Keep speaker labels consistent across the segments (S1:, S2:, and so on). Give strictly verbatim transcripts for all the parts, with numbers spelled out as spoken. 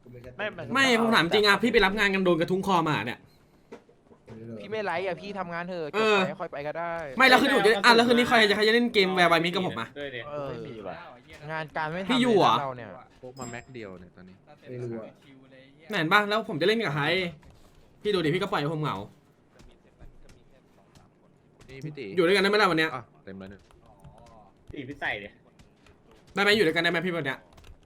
S1: ไม่
S2: ไม่ผมถามจริงอะพี่ไปรับงานกันโดนกระทุ้งคอมาเนี่ย
S3: พี่ไม่ไลฟ์อะพี่ทำงานเถอะจ
S2: เอบ อ
S3: ไปค่อยไปก็ได้
S2: ไม่แล้วคือผมจะอ่ะแล้วคืนนี้ใครจะใครจะเล่นเกมแวร์ไวมิกับผมอะ
S1: ด้วยดิ
S3: เออ
S1: ไม่มีว่ะ
S3: งานการไม่ทำ
S2: พี่อยู่เหรอ
S3: เราเนี่ย
S4: พกมาแม็กเดียวเนี่ยตอนนี้
S5: ไม่รู้อะ
S2: เห็นป่ะแล้วผมจะเล่นกับใครพี่ดูดิพี่ก็ปล่อยให้ผมเหงา
S4: นี่พี่ตี
S2: อยู่ด้วยกันได้ไหมล่ะวันเนี้ย
S4: อ่ะเต็มแล้วเนี่ย
S1: ตีพี่ใส่ดิ
S2: ได้ไหมอยู่ด้วยกันได้ไหมพี่วันเนี้ย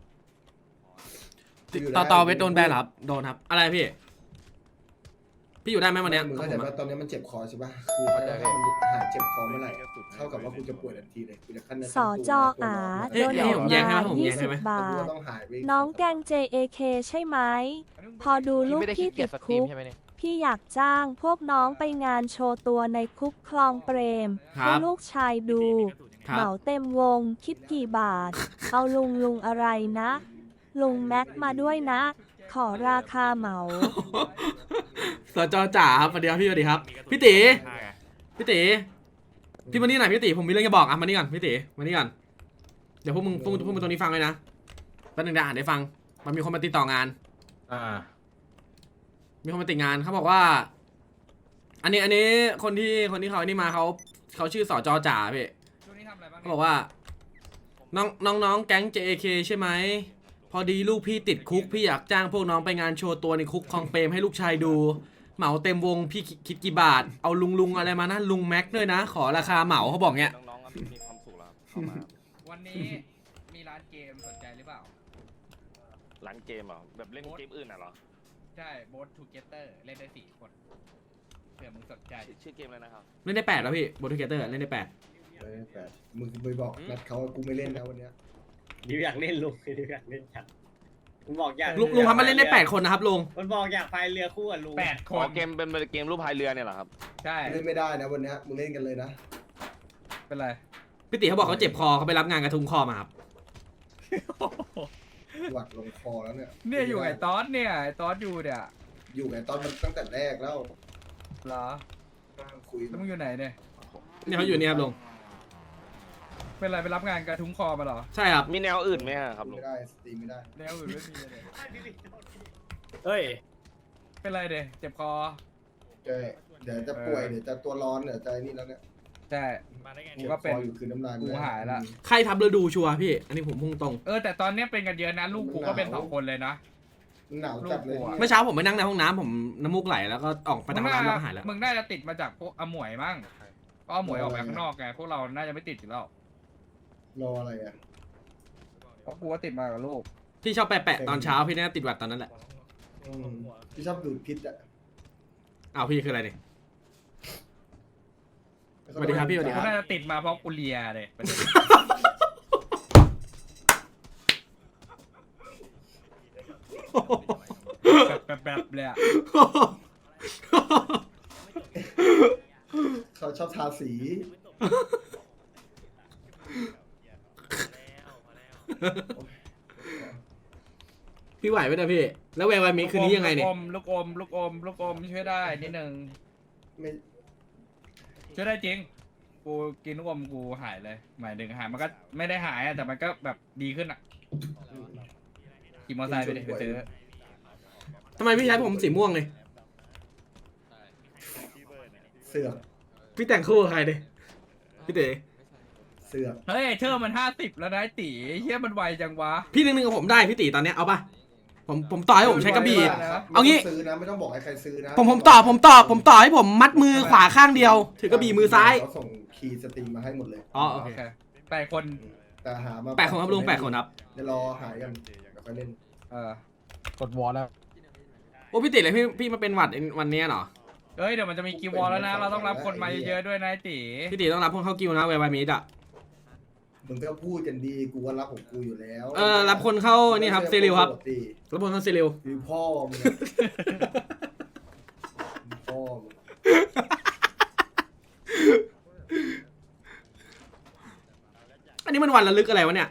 S5: อยู่ได้
S2: ต่อต่อเวทโดนแบนเหรอครับโดนครับอะไรพี่พี่อยู่ได้ไหมวันเนี้ย
S5: มึง
S2: กับ
S5: เข้า
S2: ผ
S5: ใจ
S2: ม
S5: ว่า
S2: อะ
S5: ตอนนี้มันเจ็บคอใช่ป่ะคือถ้าถ้ามันหายเจ็บคอเมื่อไหร่เท่ากับว่ากูจะป่วยทันทีเลยกูจะขั้น
S6: สอจออาโดน
S2: ให้ผมแย่งให้ไหมผม
S6: ยี่
S2: แย่ง
S6: สิ
S2: ให้
S6: บ
S2: ไหม
S6: บา
S5: กู
S6: ท
S5: ต้องหายไป
S6: น้องแกง เจ เอ เค ใช่ไหม พอดูลู
S3: พี่
S6: ก
S3: ไม่ได้
S6: พี่
S3: ขี้เกี
S6: ติ
S3: ยจ
S6: ด
S3: สตรี
S6: คุ
S3: ม
S6: ก
S3: ใช่ไหมเนี่ย
S6: พี่อยากจ้างพวกน้องไปงานโชว์ตัวในคุกคลองเปรม
S2: ครั
S6: ให้
S2: บ
S6: ลูกชายดู
S2: ครั
S6: เห
S2: บ
S6: มาเต็มวงคิดกี่บาท เอาลุงลุงอะไรนะ ลุงแม็กมาด้วยนะ ขอราคาเหมา
S2: สจจ๋าครับสวัสดีครับพี่สวัสดีครับพี่ตีพี่ตีพี่มานี่หน่อยพี่ตีผมมีเรื่องจะบอกอ่ะมานี่ก่อนพี่ตีมานี่ก่อนเดี๋ยวพวกมึงพวกมึงพวกมึงตรงนี้ฟังเลยนะแป๊บนึงเดี๋ยวอ่านให้ฟังมันมีคนมาติดต่องาน
S1: อ่า
S2: มีคนมาติดงานเขาบอกว่า อันนี้อันนี้คนที่คนที่เขาอันนี้มาเขาเขาชื่อสจจ๋าพี่เขาบอกว่าน้องน้องน้องแก๊ง เจ เอ เค ใช่ไหมพอดีลูกพี่ติดคุกพี่อยากจ้างพวกน้องไปงานโชว์ตัวในคุกคลองเปรมให้ลูกชายดู เหมาเต็มวงพี่คิดกี่บาทเอาลุงลุงอะไรมานะลุงแม็กด้วยนะ ขอราคาเหมาเขาบอกเงี้ย
S7: น้องๆมีความสุขแล้วเข้ามา
S8: วันนี้มีร้านเกมสนใจหรือเปล่า
S7: ร้านเกมเหรอแบบเล่นเกมอื่นน่ะเหรอ
S8: ใช่โบสทูเกเตอร์เล่นได้สี่คนเผื่อมึงสนใจ
S7: ชื่อเกมอะไรนะครับ
S2: เล่นได้แปดแล้วพี่โบทูเกเตอร์เล่นได้แปด
S5: เออแปดมึงไปบอกนัดเขาว่ากูไม่เล่นนะวันเนี้ย
S1: ดิวอยากเล่นลุงดิวอยากเล่นจัดมันบอกอยาก
S2: ลุงลุงครับมันเล่นได้แปดคนนะครับลุง
S1: มันบอกอยากพายเรือคู่กับลุง
S8: แปดค
S7: อ๋อน เกมเป็นเกมรูปพายเรือเนี่ยเหรอครับ
S8: ใช่
S5: เล่นไม่ได้นะวันเนี้ยมึงเล่นกันเลยนะ
S8: เป็นไร
S2: พี่ตีเขาบอกเขาเจ็บคอเขาไปรับงานกระทุ้งคอมาครับ
S5: หวัดลงคอแล้วเนี่ย
S8: เนี่ยอยู่ไอ้ตอสเนี่ยไอ้ตอสอยู่เนี่ย
S5: อยู่ไงตอนมันตั้งแต่แรกแล้ว
S8: เหรอ
S5: คุย
S8: แล้วมึงอยู่ไหนเนี่ย
S2: เนี่ยเขาอยู่เนี่ยครับลุง
S8: เป็นไรไปรับงานกระทุ้งคอมาเหรอ
S2: ใช่ครับ
S7: มีแนวอื่นไหมอะครับลุ
S5: ไม่
S7: ง
S5: ได้สตรีมไม่ได้
S8: แนวอื่นไม่มีเลย
S1: เฮ้ย
S8: เป็นไรเด้เจ็บคอ
S5: เดี๋ยวเดี๋ยวจะป่วยเดี๋ยวจะตัวร้อนเดี๋ยวจะนี่แล้วเนี่ย
S8: ใช่กูก็เป็น
S5: คออยู่คือน้ำลาย
S8: กูหายละ
S2: ใครทับฤดูชัวร์พี่ อันนี้ผมพุ่งตรง
S8: เออแต่ตอนเนี้ยเป็นกันเยอะนะลูกกูก็เป็นสองคนเลยนะ
S5: หนาวจัดเลย
S8: ลูกกูอะ
S2: เมื่อเช้าผมไปนั่งในห้องน้ำผมน้ำมูกไหลแล้วก็ออกไปทางน้ำแล้วก็หายแล้ว
S8: มึงน่าจะติดมาจากพวกอมวยมั้งก็อมวยออกไปข้างนอกไงพวกเราน่าจะไม่ติดอยู่แล้ว
S5: รออะไรอ่ะ
S8: เพราะกูก็ติดมากับลูก
S2: พี่ชอบแปะๆตอนเช้าพี่น่าติดหวัดตอนนั้นแหละ
S5: อืมพี่ชอบดูดพิษอ่ะ
S2: อ้าวพี่คืออะไรเนี่ย สวัสดีครับพี่สวัสดี
S8: กูน่าจะติดมาเพราะกูเลียเลยประเด็น แบบแบบๆเลยอะ
S5: เขาชอบทาสี
S2: พี่ไหวไหมเนี่ยพี่ แล้วแวร์ไวมิคืนนี้ยังไงเนี่ย
S8: ลูกอมลูกอมลูกอมลูกอมช่วยได้นิดนึง
S5: ไม่
S8: ช่วยได้จริง กูกินลูกอมกูหายเลย หมายถึงหายมันก็ไม่ได้หายอะแต่มันก็แบบดีขึ้นอะขี่มอเตอร์ไซค์ไปเลยไปซื้อ
S2: ทำไมพี่ใช้ผมสีม่วงเลย
S5: เสือก
S2: พี่แต่งคู่กับใครเลยพี่เต๋
S5: เสือก
S8: เฮ้ยเชอร์มันห้าสิบแล้วนะไอ้ตีเฮียมันไวจังวะ
S2: พี่หนึ่งหนึ่งกับผมได้พี่ตีตอนเนี้ยเอาปะผมผมต่อให้ผมใช้กระบี่ เอางี้
S5: ไม่ต้ซื้อนะไม่ต้องบอกให้ใครซื้อนะ
S2: ผมผมต่อผมต่อผมต่อให้ผมมัดมือขวาข้างเดียว ถือกระบี่มือซ้าย
S5: เขาส่งคีย์สตรีมมาให้หมดเลย
S2: อ๋อโอเค
S8: แปดคน
S5: แต่หามา
S2: แปดคนครับลุงแปดคนครับ
S5: เดี๋ยวรอหายกันเดี๋ยวค่อยเล่น
S8: เออก
S4: ดวอลแล้ว
S2: โอ้พี่ติเลยพี่พี่มาเป็นหวัดวันนี้เหรอ
S8: เอ้ยเดี๋ยวมันจะมีกิววอลแล้วนะ เราต้องรับคนมาเยอะๆด้วยนะไอ้ตี
S2: พี่ติต้องรับพวกเข้ากิวนะแวร์ไวมิดอะ
S5: มึงก็พูดกันดีกูว่ารับของกูอยู่แล้ว
S2: เออรับคนเข้านี่ครับเซริลครับ
S5: ปกติ
S2: รับคนเข้าเซริล
S5: คือพ่อมึงอะพ่อมึง
S2: อันนี้มันวันระลึกอะไรวะเนี่ย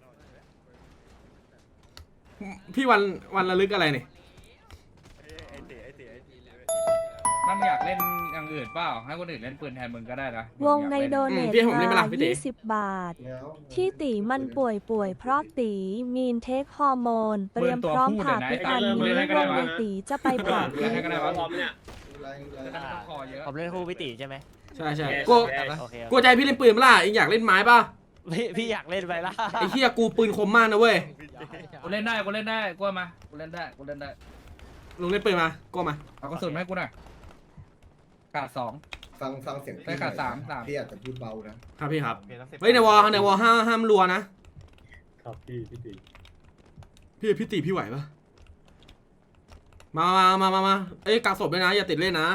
S2: พี่วันวันระลึกอะไรเนี่ย
S8: มันอยากเล่นยังอย่างอื่นเปล่าให้คนอื่นเล่นปืนแทนมึงก็ได้นะ
S6: วงในโด
S2: อื
S6: เน
S2: ม
S6: ท
S2: พี่ให้ผมเล่นไหม
S6: มา
S2: ล่ะพี่ติ
S6: ยี่สิบบาท
S5: แล้ว
S6: ที่ตีมันป่วยป่วยเพราะตีมีนเทคฮอร์โมน เตรียมพร้อมผ่าพิษอันนี้วงในตีจะไปผ่าพิษ
S8: ให้ก็ได้วะ
S1: พร้อมเนี่ย
S5: อะไรอะไร
S8: จะได้ไม่ต้องคอเยอะ
S9: ผมเล่นคู่พี่ตีใช่ไหม
S2: ใช่ใช่
S1: แย่
S2: กู
S1: แย่
S9: โอเค
S2: กูใจพี่เล่นปืนเปะล่าเองอยากเล่นไม้ป่ะ
S9: พี่พี่อยากเล่นไปละ
S2: ไอ้เหี้ยกูปืนคมมากนะเว้ย
S8: กูเล่นได้กูเล่นได้กูมากูเล่นได้กูเล่นได้
S2: ลุงเล่นปืนมากูมา
S8: เอากระสุนมาให้กูหน่อยขาดสอง
S5: ฟังฟังเสียงพี่
S8: ได้ขาดสามสาม
S5: พี่อาจจะพูดเบานะครับ
S2: พี่ครับเฮ้ยในวอลในวอลห้ามห้ามรัวนะครับ
S1: พี่พี่ตี
S2: พี่พี่ตีพี่ไหวปะมามามามามาเอ้ยกักศพด้วยนะอย่าติดเล่นนะ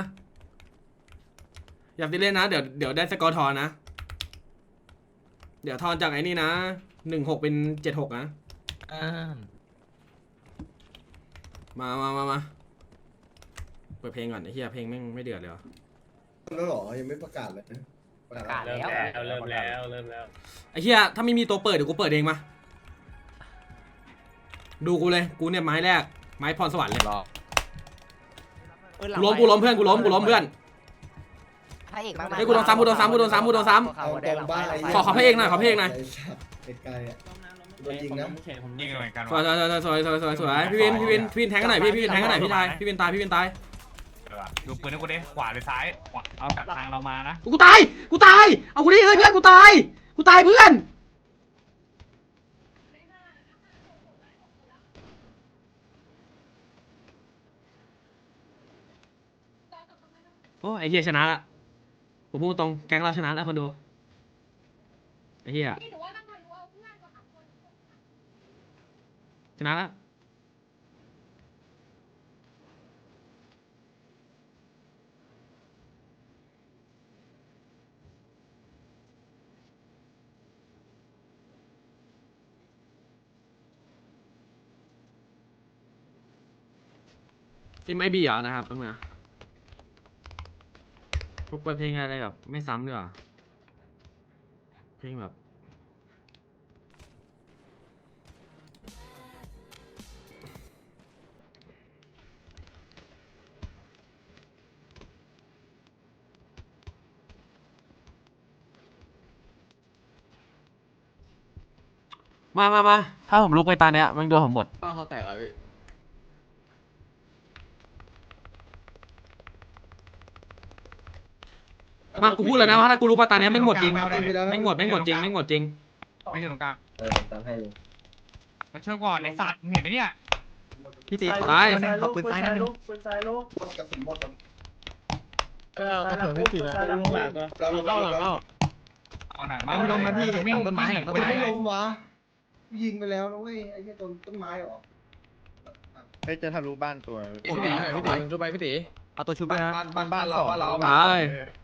S2: อย่าติดเล่นนะเดี๋ยวเดี๋ยวได้สกอร์ทอนนะเดี๋ยวทอนจากไอ้นี่นะหนึ่งหกเป็นเจ็ดหกนะมามามามาเปิดเพลงก่อนไอ้เหี้ยเพลงแม่งไม่เดือดเลยว่ะ
S5: แล้วเหรอยังไม่ประกาศเลยนะ
S9: ประกาศ
S1: เริ่ม
S9: แล้ว
S1: แล้วเริ่มแล้วเริ่มแล้ว
S2: ไอ้เหี้ยถ้าไม่มีตัวเปิดเดี๋ยวกูเปิดเองมาดูกูเลยกูเนี่ยไม้แรกไม้พรสวรรค์เลยกูล้มกูล้มเพื่อนกูล้มกูล้มเพื่อน
S9: พระเอกมากๆ
S2: เฮ้ยกูโดนซ้ำกูโดนซ้ำกูโดนซ้ำกูโดนซ้ำ
S5: เอาตรงบ้านไอ้
S2: ขอขอพระเอกหน่อยขอพระเอกหน่อย
S5: ไอ้ไกลอ่ะโดนยิงนะ
S8: ยิงเหมือนกัน
S2: สวยสวยสวยสวยสวยสวยสวยพี่วินพี่วินพี่วินแทงกันหน่อยพี่พี่วินแทงกันหน่อยพี่ตายพี่วินตายพี่วินตาย
S8: ดูปืนให้กูดิขวาหรือซ้ายขวาเอาจากทางเรามานะ
S2: กูตายกูตายเอากูดิเฮ้ยเพื่อนกูตายกูตายเพื่อนโอ้ไอ้เหี้ยชนะละผมพูดตรงแก๊งเราชนะแล้วคนดูไอ้เหี้ยชนะแล้วที่ไม่บีเหรอนะครับต้องมาพวกเพลงอะไรแบบไม่ซ้ำด้วยเพลงแบบมามามาถ้าผมลุกไปตาเนี้ยมันโดนผมหมด
S4: ป้าเขาแตกแล้วพี่
S2: มากูพูดเลยนะว่าถ้ากูรู้ปาตาเนี้ยไม่งหมดจริงไม่งหมดไม่งหมดจริงไม่งหมดจริง
S8: ไม่ใช่ตรงกลาง
S5: เออตามให้เลย
S8: มาช่วยก่อนไอ้สัตว์เห็นไหมเนี่ย
S9: พี่ตี
S2: ตาย
S9: เอาปืนซ้ายนั่น
S1: ปืนซ้ายลูก
S5: หมดกระสุนหมดแล้ว
S1: เออกระสุนพี่ตีนะหลังหลังก็
S5: เราเราเราเรา
S8: เอาหน่อยมาลงนะพี่วิ่งต้นไม้
S5: เราไม่ล้มวะยิงไปแล้วนะเว้ยไอ้แค่ต้นต้นไม้หรอ
S4: เฮ้ยจะทะลุบ้านตัว
S3: พี่ตีพี่ตีดูไปพี่ตี
S9: เอาตัวชุบด้วยนะ
S4: บ้านบ้านเราบ้านเรา
S2: ตาย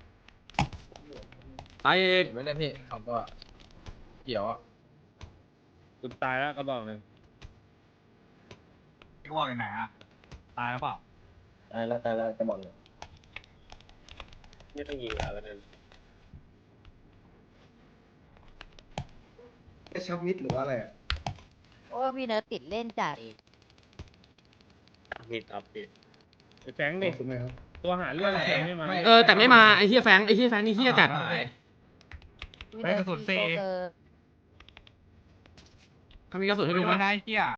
S2: ตายอีก
S3: ไม่ได้พี่สองตัวเกี่ยวอ่ะ
S1: สุดตายแล้วก็บอกเลย
S8: ไอ้วอกอยู่ไหนอะตายแล้วเปล่า
S5: ตายแล้วตายแล้วจะบอกเลย
S1: ไม่ต้องยิงแล้วกันนั้น
S5: แค่ชับมิดหรือว่าอะไรอ่ะ
S10: โอ้พี่เนิร์ดติดเล่นจัด
S1: ผิดอัพผิด
S5: แฟงดิคุณไหมครับ
S1: ตัวหาเรื่องแทงไม่มา
S2: เออแต่ไม่มาไอ้เฮียแฟงไอ้เฮียแฟงนี่เฮียจัด
S10: พี่เนิร์ดตีโซเกอร์
S2: เขามีกระสุนให้ดูไหม
S8: ไม่ได้เที่ย